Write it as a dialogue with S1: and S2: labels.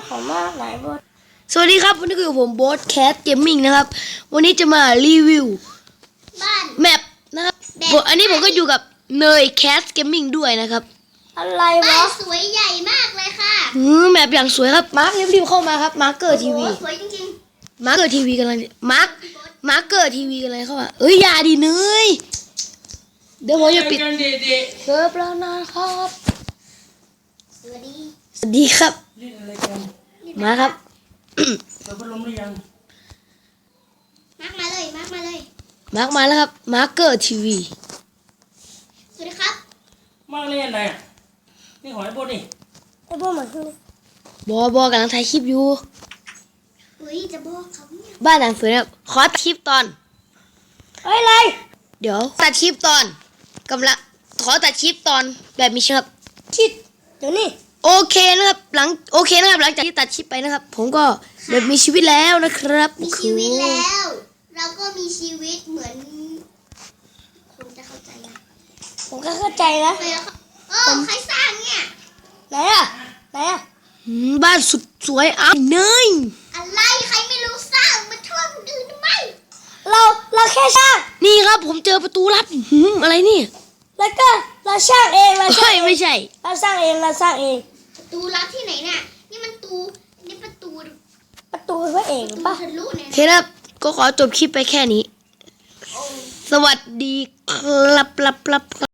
S1: ของมากไหนบด
S2: สวัสดีครับวันนี้คือผมโบ๊ทแคสเกมมิ่งนะครับวันนี้จะมารีวิว
S3: บ้าน
S2: แมปนะครับอันนี้ผมก็อยู่กับเนยแคสเกมมิ่งด้วยนะครับ
S1: อะไรวะ
S3: บ้านสวยใหญ่มากเลยค่ะ
S2: แมปอย่างสวยครับมาร์ครีบเข้ามาครับมาร์คเกอร์ทีวี
S3: สวยจริง
S2: มาร์คเกอร์ทีวีกันเลยมาร์คเกอร์ทีวีกันเลยเข้ามาอย่าดิเนยเดี๋ยวผมจะปิดเซิร์ฟแล้วนะครับ
S3: สวัสดี
S2: สวัสดีครับ
S4: เล่นอะไรกัน
S2: มาครับ
S4: เปิดพัดลมหรือยัง
S3: มาร์กมาเลยมาร์กมาเลย
S2: มาร์คมาแล้วครับมาร์คเกอร์ทีวี
S3: สวัสดีครับ
S4: มากเล่นอะไรอ่ะนี่หอยบดนี่
S1: ไอ้พวกเหมือนกันเลย
S2: บอกำลังถ่ายคลิปอยู่
S3: เฮ้ยจะบอกเขาเนี่ย
S2: บ้านหลังสวยครับขอตัดคลิปตอน
S1: เฮ้ยอะไร
S2: เดี๋ยวตัดคลิปตอนกำลังขอตัดคลิปตอนแบบมีครับ
S1: คิดเดี๋ยวนี้
S2: โอเคนะครับหลังจากที่ตัดคลิปไปนะครับ ผมก็แบบมีชีวิตแล้วนะครับ
S3: มีชีวิตแล้ว เราก็มีชีวิตเหมือนคนจะเข้าใจนะ
S1: ผมก็เข้าใจนะ
S3: ใครแล้วใครสร้างเนี่ย
S1: ไหนอะไหนอะ
S2: บ้านสุดสวยอ้าวเนย
S3: อะไรใครไม่รู้สร้างมาโทษคนอื่นทำไม
S1: เราแค่ช่าง
S2: นี่ครับผมเจอประตูลับอะไรนี่
S1: แล้วก็เราช่างเองเราช่างเอง
S2: ไม่ใช่
S1: เราสร้างเองเราสร้างเอง
S3: ประตูลับที่ไหนเนี่ยนี่มันนี่ประตู
S1: ประตูพระเอกหรือปะ
S3: ทะลุเนี่ย
S2: โอเคครับก็ขอจบคลิปไปแค่นี้ สวัสดีครับ